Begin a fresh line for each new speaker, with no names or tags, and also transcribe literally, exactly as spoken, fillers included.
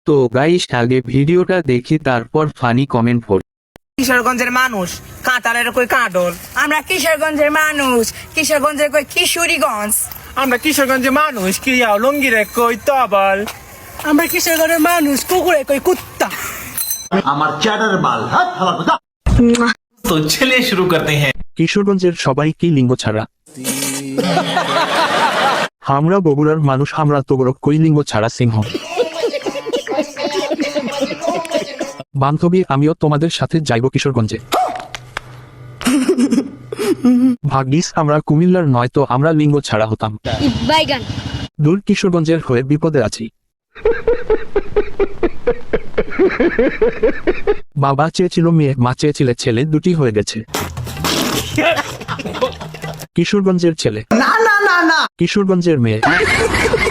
তো গাইস আগে ভিডিওটা দেখি তারপর ফানি কমেন্ট পড়ি।
কিশোরগঞ্জের মানুষ কাঁটালের কই কাঁডল।
আমরা কিশোরগঞ্জের মানুষ, কিশোরগঞ্জের কই কিশোরীগঞ্জ।
আমরা কিশোরগঞ্জের মানুষ ক্রিয়া লঙ্গিরে কই তবল।
আমরা কিশোরগঞ্জের মানুষ কুকুরে কই কুত্তা।
আমার চ্যাটার বাল হাত ফালা কথা।
तो चलिए शुरू करते हैं।
কিশোরগঞ্জের সবাই কি লিঙ্গ ছাড়া? আমরা বগুড়ার মানুষ, আমরা তো বড় কই লিঙ্গ ছাড়া সিংহ। বান্ধবী আমিও তোমাদের সাথে যাইব কিশোরগঞ্জে। ভাগ্যিস আমরা কুমিল্লার নয় তো আমরা লিঙ্গ ছাড়া হতাম।
বাইগান
দূর কিশোরগঞ্জের হয়ে বিপদে আছি। বাবা চেয়েছিল মেয়ে, মা চেয়েছিলে ছেলে, দুটি হয়ে গেছে। কিশোরগঞ্জের ছেলে,
না না না না
কিশোরগঞ্জের মেয়ে।